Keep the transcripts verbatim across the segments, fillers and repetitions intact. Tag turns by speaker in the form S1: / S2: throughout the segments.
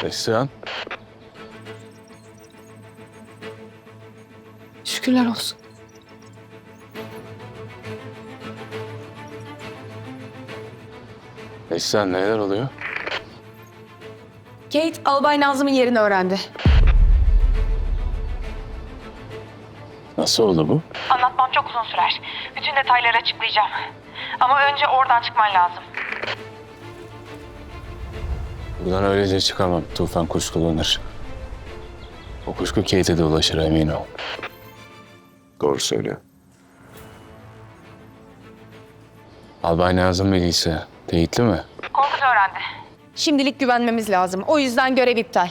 S1: Neslihan.
S2: Şükürler olsun.
S1: Neslihan neler oluyor?
S2: Kate, Albay Nazım'ın yerini öğrendi.
S1: Nasıl oldu bu?
S3: Anlatmam çok uzun sürer. Bütün detayları açıklayacağım. Ama önce oradan çıkman lazım.
S1: Buradan öylece çıkamam. Tufan kuşkulanır. O kuşku Kate'e de ulaşır, emin ol.
S4: Doğru söylüyor.
S1: Albay Nazım bilgisi teyitli mi?
S3: Korkut öğrendi.
S2: Şimdilik güvenmemiz lazım. O yüzden görev iptal.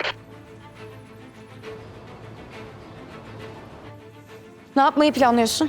S2: Ne yapmayı planlıyorsun?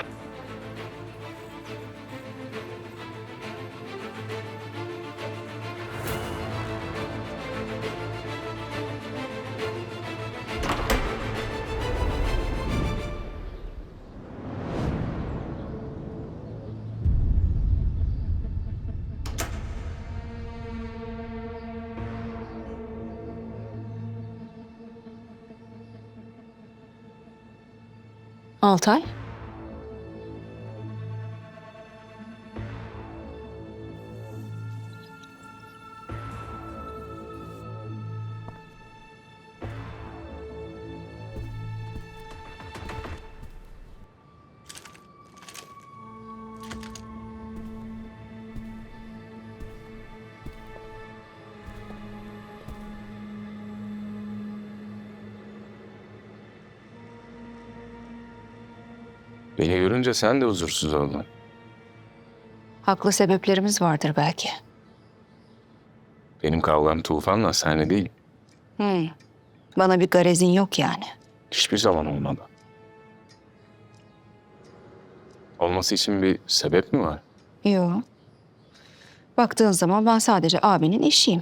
S2: Altay?
S1: Beni görünce sen de huzursuz oldun.
S2: Haklı sebeplerimiz vardır belki.
S1: Benim kavgam Tufan'la, senle değil.
S2: Hmm. Bana bir garezin yok yani.
S1: Hiçbir zaman olmadı. Olması için bir sebep mi var?
S2: Yok. Baktığın zaman ben sadece abinin eşiyim.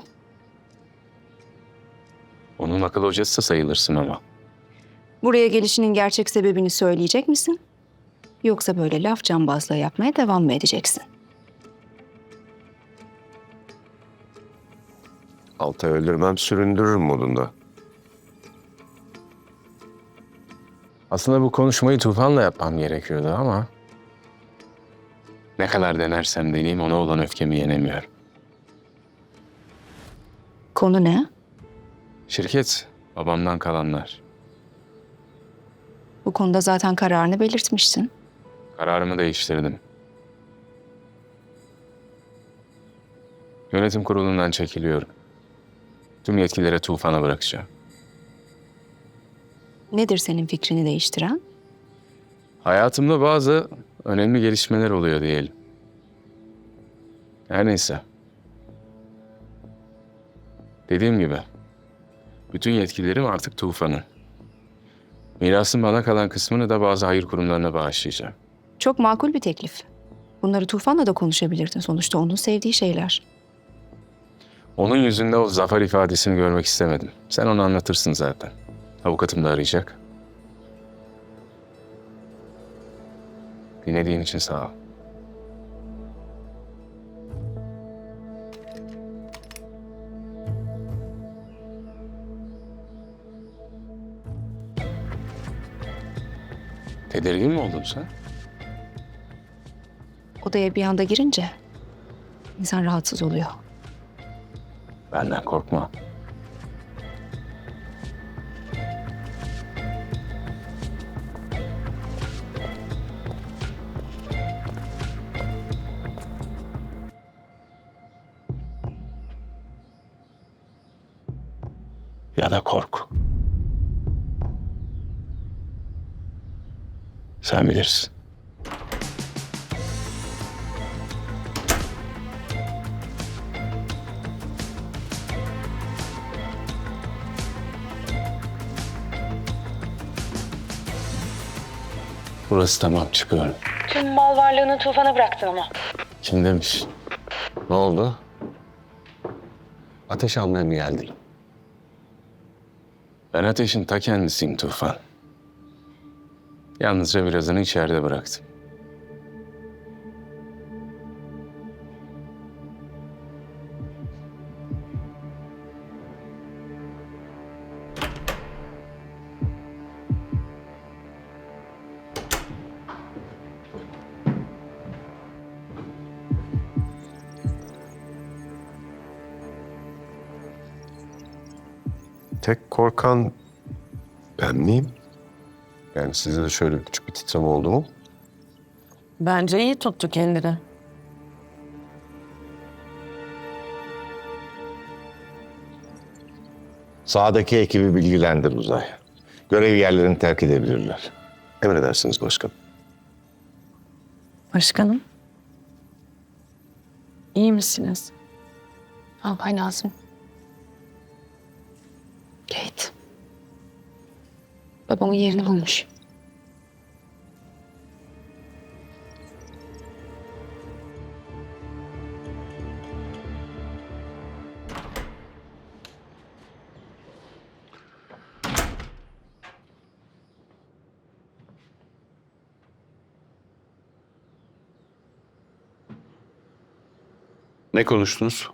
S1: Onun akıl hocası da sayılırsın ama.
S2: Buraya gelişinin gerçek sebebini söyleyecek misin? Yoksa böyle laf cambazlığı yapmaya devam mı edeceksin?
S4: Altay öldürmem süründürürüm modunda.
S1: Aslında bu konuşmayı Tufan'la yapmam gerekiyordu ama... Ne kadar denersem deneyeyim ona olan öfkemi yenemiyorum.
S2: Konu ne?
S1: Şirket, babamdan kalanlar.
S2: Bu konuda zaten kararını belirtmişsin.
S1: Kararımı değiştirdim. Yönetim kurulundan çekiliyorum. Tüm yetkileri Tufan'a bırakacağım.
S2: Nedir senin fikrini değiştiren?
S1: Hayatımda bazı önemli gelişmeler oluyor diyelim. Her neyse. Dediğim gibi, bütün yetkilerim artık Tufan'ın. Mirasın bana kalan kısmını da bazı hayır kurumlarına bağışlayacağım.
S2: Çok makul bir teklif. Bunları Tufan'la da konuşabilirdin. Sonuçta onun sevdiği şeyler.
S1: Onun yüzünde o zafer ifadesini görmek istemedim. Sen onu anlatırsın zaten. Avukatım da arayacak. Dinlediğin için sağ ol. Tedirgin mi oldun sen?
S2: Odaya bir anda girince insan rahatsız oluyor.
S1: Benden korkma. Ya da kork. Sen bilirsin. Burası tamam, çıkıyorum.
S3: Tüm mal varlığını Tufan'a bıraktın ama.
S1: Kim demiş? Ne oldu? Ateş almaya mı geldin? Ben ateşin ta kendisiyim Tufan. Yalnızca birazını içeride bıraktım.
S4: tek korkan ben miyim? Yani sizde de şöyle küçük bir titreme oldu mu?
S5: Bence iyi tuttu kendini.
S6: Sağdaki ekibi bilgilendir Uzay. Görev yerlerini terk edebilirler.
S4: Emredersiniz başkanım.
S5: Başkanım. İyi misiniz?
S2: Albay Nazım. Kate. Babamın yerini bulmuş.
S7: Ne konuştunuz?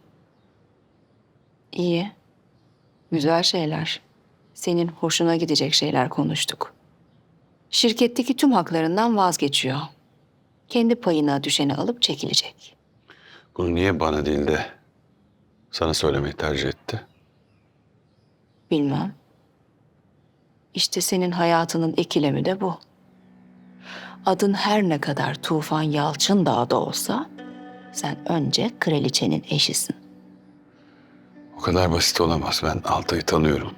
S2: İyi. Güzel şeyler. Senin hoşuna gidecek şeyler konuştuk. Şirketteki tüm haklarından vazgeçiyor. Kendi payına düşeni alıp çekilecek.
S7: Bunu niye bana değil de sana söylemeyi tercih etti?
S2: Bilmem. İşte senin hayatının ikilemi de bu. Adın her ne kadar Tufan Yalçındağ da olsa sen önce kraliçenin eşisin.
S7: O kadar basit olamaz. Ben Altay'ı tanıyorum.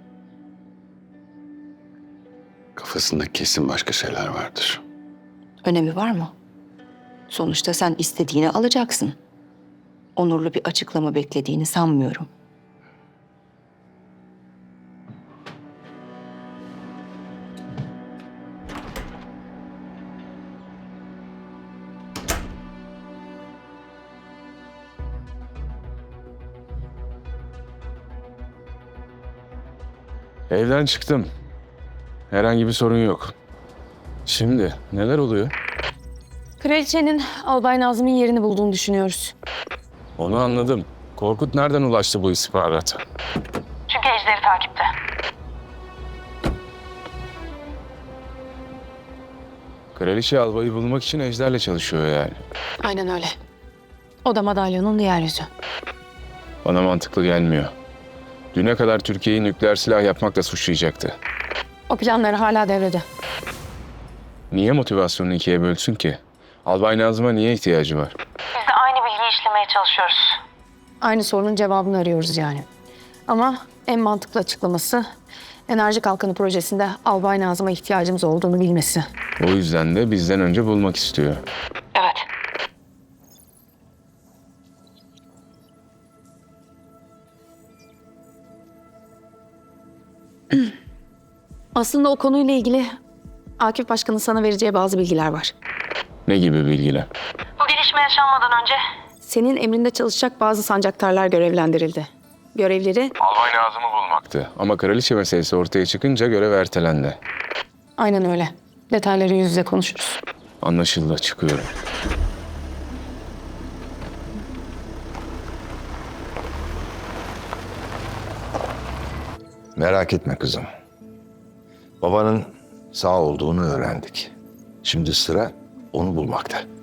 S7: Kafasında kesin başka şeyler vardır.
S2: Önemi var mı? Sonuçta sen istediğini alacaksın. Onurlu bir açıklama beklediğini sanmıyorum.
S1: Evden çıktım. Herhangi bir sorun yok. Şimdi neler oluyor?
S5: Kraliçenin Albay Nazım'ın yerini bulduğunu düşünüyoruz.
S1: Onu anladım. Korkut nereden ulaştı bu istihbarata?
S3: Çünkü Ejder'i takipte.
S1: Kraliçe albayı bulmak için Ejder'le çalışıyor yani.
S5: Aynen öyle. O da madalyonun diğer yüzü.
S1: Bana mantıklı gelmiyor. Düne kadar Türkiye'yi nükleer silah yapmakla suçlayacaktı.
S5: O planları hala devrede.
S1: Niye motivasyonunu ikiye bölsün ki? Albay Nazım'a niye ihtiyacı var?
S3: Biz de aynı bilgiyi işlemeye çalışıyoruz.
S5: Aynı sorunun cevabını arıyoruz yani. Ama en mantıklı açıklaması Enerji Kalkanı projesinde Albay Nazım'a ihtiyacımız olduğunu bilmesi.
S1: O yüzden de bizden önce bulmak istiyor.
S3: Evet.
S5: Aslında o konuyla ilgili Akif Başkan'ın sana vereceği bazı bilgiler var.
S1: Ne gibi bilgiler?
S3: Bu gelişme yaşanmadan önce
S5: Senin emrinde çalışacak bazı sancaktarlar görevlendirildi. Görevleri
S1: Albay Nazım'ı bulmaktı. Ama kraliçe meselesi ortaya çıkınca görev ertelendi.
S5: aynen öyle. Detayları yüz yüze konuşuruz.
S1: Anlaşıldı, çıkıyorum.
S6: Merak etme kızım. Babanın sağ olduğunu öğrendik. Şimdi sıra onu bulmakta.